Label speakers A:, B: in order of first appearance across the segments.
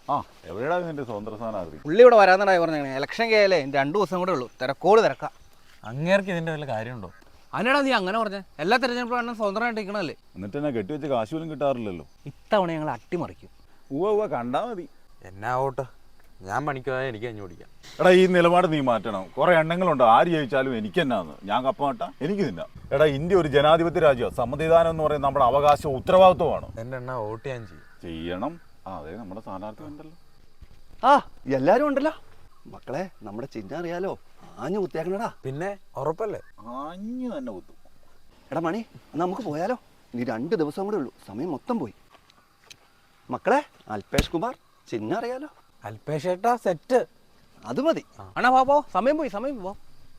A: ആ എവിടെയാ നിന്റെ സ്വതന്ത്ര സ്ഥാനാർത്ഥി?
B: പുള്ളി ഇവിടെ വരാന്നാണ് പറഞ്ഞത്. ഇലക്ഷൻ കഴിയാലേ 2 ദിവസം കൂടെ ഉള്ളൂ. തിരക്കോട് തിരക്കാം.
C: അങ്ങേർക്ക് ഇതിന്റെ വല്ല കാര്യമുണ്ടോ?
B: അതിനാടാ നീ അങ്ങനെ പറഞ്ഞത്? എല്ലാ തെരഞ്ഞെടുപ്പും സ്വതന്ത്രമായിട്ട് നിൽക്കണല്ലേ.
A: എന്നിട്ട് എന്നെ കെട്ടിവെച്ച് കാശ് പോലും കിട്ടാറില്ലല്ലോ.
B: ഇത്തവണ ഞങ്ങൾ അട്ടിമറിക്കും.
A: ഉവ്വ കണ്ടാ മതി.
C: എന്നാ ഓട്ടെ, ഞാൻ പണിക്കാതെ എനിക്ക് അഞ്ഞു പിടിക്കാം.
A: എടാ ഈ നിലപാട് നീ മാറ്റണം. കുറെ എണ്ണങ്ങളുണ്ട്, ആര് ജയിച്ചാലും എനിക്ക് എന്നാന്ന്. ഞാൻ കപ്പ നട്ടാ എനിക്ക് തിന്നാം. എടാ ഇന്ത്യ ഒരു ജനാധിപത്യ രാജ്യമാണ്. സമ്മതിദാനം എന്ന് പറയുന്നത് നമ്മുടെ അവകാശവും ഉത്തരവാദിത്വമാണ്.
C: എന്റെ എണ്ണ വോട്ട് ഞാൻ
A: ചെയ്യണം. അതെ നമ്മുടെ സ്ഥാനാർത്ഥി ഉണ്ടല്ലോ.
D: ആ എല്ലാരും ഉണ്ടല്ലോ. മക്കളെ നമ്മുടെ ചിഹ്നം അറിയാലോ, ആഞ്ഞു കുത്തിയാക്കണടാ.
C: പിന്നെ ഉറപ്പല്ലേ?
A: ആഞ്ഞു തന്നെ കുത്തും.
D: എടാ മണി, എന്നാ നമുക്ക് പോയാലോ? ഇനി 2 ദിവസം കൂടെ ഉള്ളൂ, സമയം മൊത്തം പോയി. മക്കളെ അൽപേഷ് കുമാർ, ചിഹ്നം അറിയാലോ.
C: അൽപേഷേട്ടാ സെറ്റ്.
D: അത് മതി.
B: അണ്ണാ പോ, സമയം പോയി, സമയം പോ.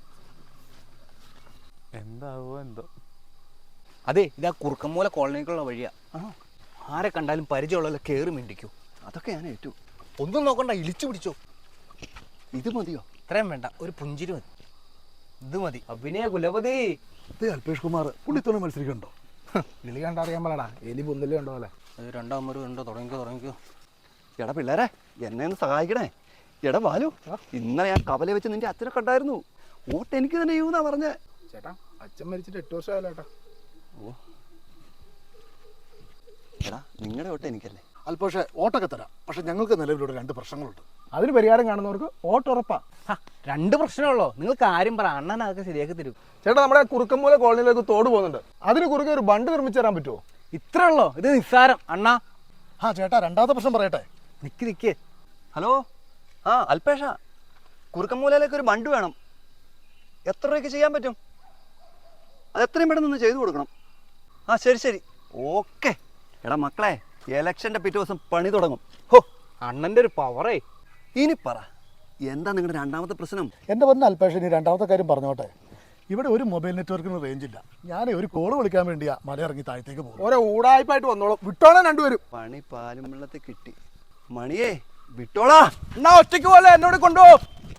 C: എന്താവോ എന്തോ.
B: അതെ, ഇതാ കുറുക്കമ്മൂല കോളനിക്കുള്ള വഴിയാ. ആരെ കണ്ടാലും പരിചയമുള്ള കയറി മിണ്ടിക്കൂ.
D: അതൊക്കെ ഞാൻ ഏറ്റു.
B: ഒന്നും നോക്കണ്ട, ഇളിച്ചു പിടിച്ചോ.
D: ഇത് മതിയോ?
B: ഇത്രയും വേണ്ട, ഒരു പുഞ്ചിരി മതി. ഇത് മതി. അഭിനയ കുലപതി.
E: അൽപേഷ് കുമാർ പുള്ളിത്തോണി മത്സരിക്കണ്ടോ?
F: കിളി കണ്ടറിയാൻ പാടാ, എലി പുന്തല് കണ്ടോ പോലെ.
B: രണ്ടാമത് ഉണ്ടോ? തുടങ്ങിക്കോ.
D: എടാ പിള്ളേരെ, എന്നെ ഒന്ന് സഹായിക്കണേ. എടാ ബാലു, ഇന്നലെ ഞാൻ കവല വെച്ച് നിന്റെ അച്ഛനെ കണ്ടായിരുന്നു. വോട്ട് എനിക്ക് തന്നെ ചെയ്യുന്നാ പറഞ്ഞേ.
F: ചേട്ടാ അച്ഛൻ മരിച്ചിട്ട് 8 വർഷമായല്ലോ ചേട്ടാ.
D: ഓ എടാ നിങ്ങളുടെ വോട്ട് എനിക്കല്ലേ?
E: അൽപേഷ് വോട്ടൊക്കെ തരാം, പക്ഷെ ഞങ്ങൾക്ക് നിലവിലൂടെ 2 പ്രശ്നങ്ങളുണ്ട്.
F: അതിന് പരിഹാരം കാണുന്നവർക്ക് വോട്ട് ഉറപ്പാ.
B: 2 പ്രശ്നമുള്ളോ? നിങ്ങൾ കാര്യം പറ, അണ്ണൻ അതൊക്കെ ശരിയാക്കി തരും.
F: ചേട്ടാ നമ്മുടെ കുറുക്കമ്പൂല കോളനിയിലേക്ക് തോട് പോകുന്നുണ്ട്, അതിന് കുറുക്കെ ഒരു ബണ്ട് നിർമ്മിച്ചു തരാൻ പറ്റുമോ?
B: ഇത്ര ഉള്ളോ? ഇത് നിസ്സാരം അണ്ണാ.
E: ചേട്ടാ 2ാമത്തെ പ്രശ്നം പറയട്ടെ.
B: നിക്ക്.
D: ഹലോ, ആ അൽപേഷ, കുറുക്കമ്മൂലയിലേക്ക് ഒരു ബണ്ട് വേണം. എത്ര രൂപയ്ക്ക് ചെയ്യാൻ പറ്റും? അത് എത്രയും പെട്ടെന്ന് ഒന്ന് ചെയ്തു കൊടുക്കണം. ആ ശരി ഓക്കെ. എടാ മക്കളെ, ഇലക്ഷൻ്റെ പിറ്റേ ദിവസം പണി തുടങ്ങും.
B: ഹോ, അണ്ണൻ്റെ ഒരു പവറേ.
D: ഇനി പറ, എന്താ നിങ്ങളുടെ 2ാമത്തെ പ്രശ്നം?
E: എൻ്റെ വന്ന അൽപേഷ്, ഇനി 2ാമത്തെ കാര്യം പറഞ്ഞോട്ടെ. ഇവിടെ ഒരു മൊബൈൽ നെറ്റ്വർക്കിന് റേഞ്ച് ഇല്ല. ഞാൻ ഒരു കോള് വിളിക്കാൻ വേണ്ടിയാ മലയിറങ്ങി താഴത്തേക്ക് പോകും.
F: ഓരോ ഊടായ്പായിട്ട് വന്നോളൂ, വിട്ടോളാം രണ്ടുപേരും.
D: പണി പാലും വെള്ളത്തിൽ കിട്ടി. മണിയേ വിട്ടോളാ.
F: എന്നാ ഒറ്റയ്ക്ക് പോലെ എന്നോട് കൊണ്ടുപോകും.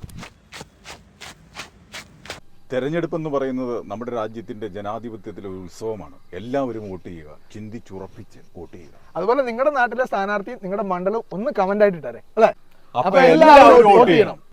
A: തെരഞ്ഞെടുപ്പ് എന്ന് പറയുന്നത് നമ്മുടെ രാജ്യത്തിന്റെ ജനാധിപത്യത്തിലെ ഒരു ഉത്സവമാണ്. എല്ലാവരും വോട്ട് ചെയ്യുക, ചിന്തിച്ചുറപ്പിച്ച് വോട്ട് ചെയ്യുക.
F: അതുപോലെ നിങ്ങളുടെ നാട്ടിലെ സ്ഥാനാർത്ഥി, നിങ്ങളുടെ മണ്ഡലം ഒന്ന് കമന്റ് ആയിട്ട് ഇട്ടാരെ അല്ലേ?
A: അപ്പൊ എല്ലാവരും വോട്ട് ചെയ്യണം.